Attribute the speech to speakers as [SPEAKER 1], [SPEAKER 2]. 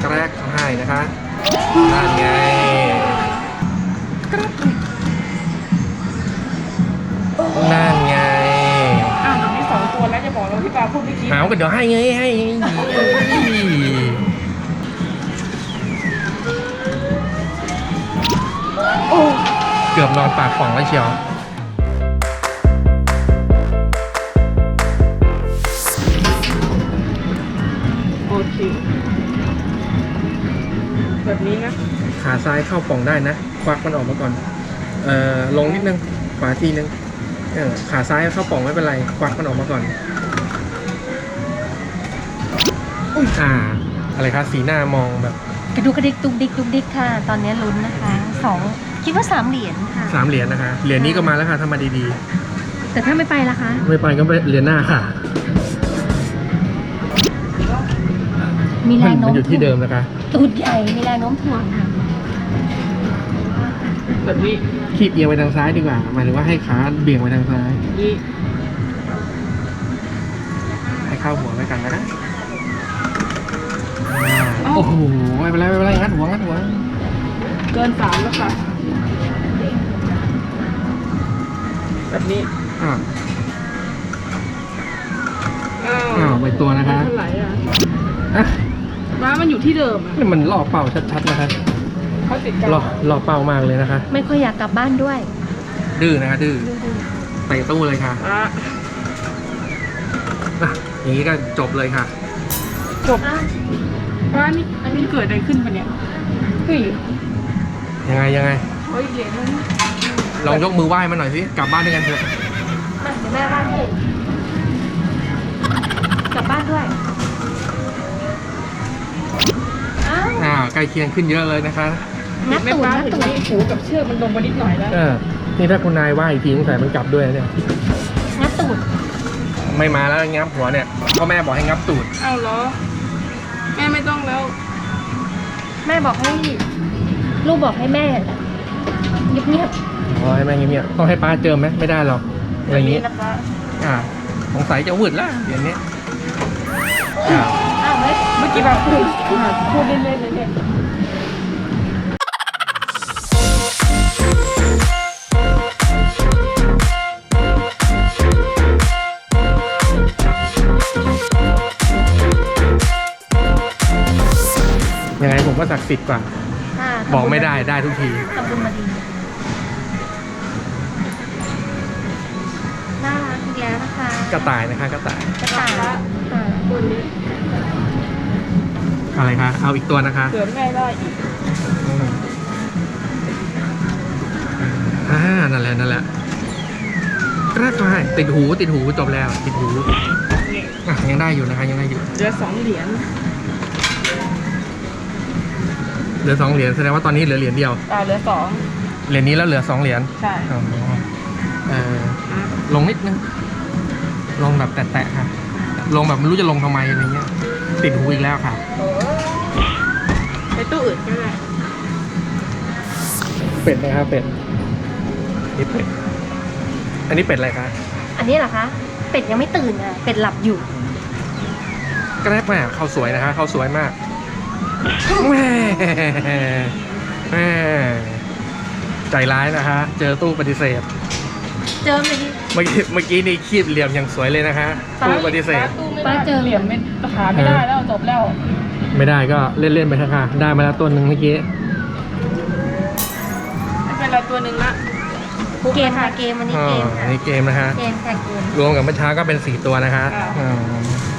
[SPEAKER 1] แกรกให้นะคะนั่นไงนั่นไง
[SPEAKER 2] อ้าวเดี๋ยวมี2 ตัวแล้วจะบอกเราที่ปาพูดเมื่อกี้
[SPEAKER 1] หาวกันเดี๋ยวให้ไงให้
[SPEAKER 2] โอ้
[SPEAKER 1] เกือบนอนปากป่องแล้วเชียว
[SPEAKER 2] โอเคแบบนี้นะ
[SPEAKER 1] ขาซ้ายเข้าป่องได้นะควักมันออกมาก่อนลงนิดนึงขวาทีนึงขาซ้ายเข้าป่องไม่เป็นไรควักมันออกมาก่อนอะไรคะสีหน้ามองแบบ
[SPEAKER 3] กระดูกกระดิกตุกดิกตุกดิกค่ะตอนนี้ลุ้นนะคะ2คิดว่า3 เหรียญค่ะ
[SPEAKER 1] 3 เหรียญนะคะเหรียญนี้ก็มาแล้วค่ะถ้ามาดี
[SPEAKER 3] ๆแต่ถ้าไม่ไปล่ะคะ
[SPEAKER 1] ไม่ไปก็ไปเหรียญหน้าค่ะ
[SPEAKER 3] มีแรงโน้ม
[SPEAKER 1] มันอยู่ที่เดิมนะคะ
[SPEAKER 3] ตูดใหญ่มีแรงโน้มถ่วงค่ะ
[SPEAKER 2] แบบนี้
[SPEAKER 1] คีบเอียงไปทางซ้ายดีกว่าหมายถึงว่าให้ขาเบี่ยงไปทางซ้าย
[SPEAKER 2] นี่
[SPEAKER 1] ให้เข้าหัวไปกันนะโอ้โหไม่เป็นไรไม่เป็นไรงัดหัว
[SPEAKER 2] เกิน3แล้วค่ะแบบนี้
[SPEAKER 1] ไปตัวนะคะ
[SPEAKER 2] เท่าไหร่ม้ามันอยู่ที่เดิม
[SPEAKER 1] นี่มันล่อเป่าชัดๆนะคะ
[SPEAKER 2] เขาติดกัน
[SPEAKER 1] ล่อเป่ามากเลยนะคะ
[SPEAKER 3] ไม่ค่อยอยากกลับบ้านด้วย
[SPEAKER 1] ดื้อนะคะดื้อไปตู้เลยค่ะอย่างนี้ก็จบเลยค่ะ
[SPEAKER 2] จบว่านี่อันนี้เกิดอะไรขึ้นปะเนี่ยเฮ้ย
[SPEAKER 1] ยังไง
[SPEAKER 2] เฮ้ยเหรียญนั้น
[SPEAKER 1] ลองยกมือไหว้มาหน่อยสิกลับบ้านด้วยกันเถอะ
[SPEAKER 3] มาเดี๋ยวแม่บ้านให้กลับบ้านด้วย
[SPEAKER 1] ใกล้เคียงขึ้นเยอะเลยนะคะ
[SPEAKER 3] งัดตูดงัดตูด
[SPEAKER 2] หูกับเชือกมันลงมานิดหน่อยแล้ว
[SPEAKER 1] นี่ถ้าคุณนายไหว้อีกทีสงสัยมันกลับด้วยเนี่ย
[SPEAKER 3] งัดตูด
[SPEAKER 1] ไม่มาแล้วงับหัวเนี่ยพ่อแม่บอกให้งับตูด
[SPEAKER 2] อ้าวเหรอแม่ไม่ต้องแล้ว
[SPEAKER 3] แม่บอกให้ลูกบอกให้แม่เงียบ
[SPEAKER 1] ให้แม่เงียบต้องให้ป้าเจอไหมไม่ได้หรอกอะไรอย่างนี้สงสัยจะวืดแล้วอย่างนี้
[SPEAKER 2] เมื่อกี้แบบพูดเล่นๆเลยเนี่ย
[SPEAKER 1] ยังไงผมก็ศักดิ์สิทธิ์กว่าบอกไม่ได้ได้ทุกที
[SPEAKER 3] ทำบุญมาดีน่ารักอีกแล้วนะคะ
[SPEAKER 1] กระต่ายนะคะกระต่าย
[SPEAKER 2] ตัวนี้
[SPEAKER 1] อะไรคะเอาอีกตัวนะคะ
[SPEAKER 2] เสือแม่ได้อีก
[SPEAKER 1] นั่นแหละกระต่ายติดหูจบแล้วติดหูยังได้อยู่นะคะยังได้อยู่
[SPEAKER 2] เหลือ2 เหรียญ
[SPEAKER 1] เหลือ2 เหรียญแสดงว่าตอนนี้เหลือเหรียญเดียว
[SPEAKER 2] เหลือ
[SPEAKER 1] เหรียญนี้แล้วเหลือ2 เหรียญ
[SPEAKER 2] ใช่
[SPEAKER 1] ลงนิดนึงลงแบบแตะๆค่ะลงแบบไม่รู้จะลงทำไมอะไรเงี้ยติดหูอีกแล้วค่ะ
[SPEAKER 2] ไปตู้อื่นก็ได้
[SPEAKER 1] เป็ดนะครับเป็ดนี่เป็ดอันนี้เป็ดอะไรคะ
[SPEAKER 3] อันนี้เหรอคะเป็ดยังไม่ตื่นอ่ะเป็ดหลับอยู่
[SPEAKER 1] ก็ได้แม่เขาสวยนะคะเขาสวยมากแม่ใจร้ายนะคะเจอตู้ปฏิเสธ
[SPEAKER 3] เจอ
[SPEAKER 1] เมื่อกี้นี่คีบเหลี่ยมอย่างสวยเลยนะคะตู้ปฏิเสธ
[SPEAKER 2] ป้าเจอเหลี่ยมไม่หาไม่ได้แล้วจบแล้ว
[SPEAKER 1] ไม่ได้ก็เล่นๆไปเถอะค่ะได้มาแล้วตัวหนึ่งเมื่อกี้
[SPEAKER 2] ไม่เป็นไรตัวหนึ่งละ
[SPEAKER 3] เกมค่ะเกมวันนี้เกมค่ะ
[SPEAKER 1] นี่เกมนะคะ
[SPEAKER 3] เกมค่ะเกม
[SPEAKER 1] รวมกับเมื่อเช้าก็เป็น4 ตัวนะคะ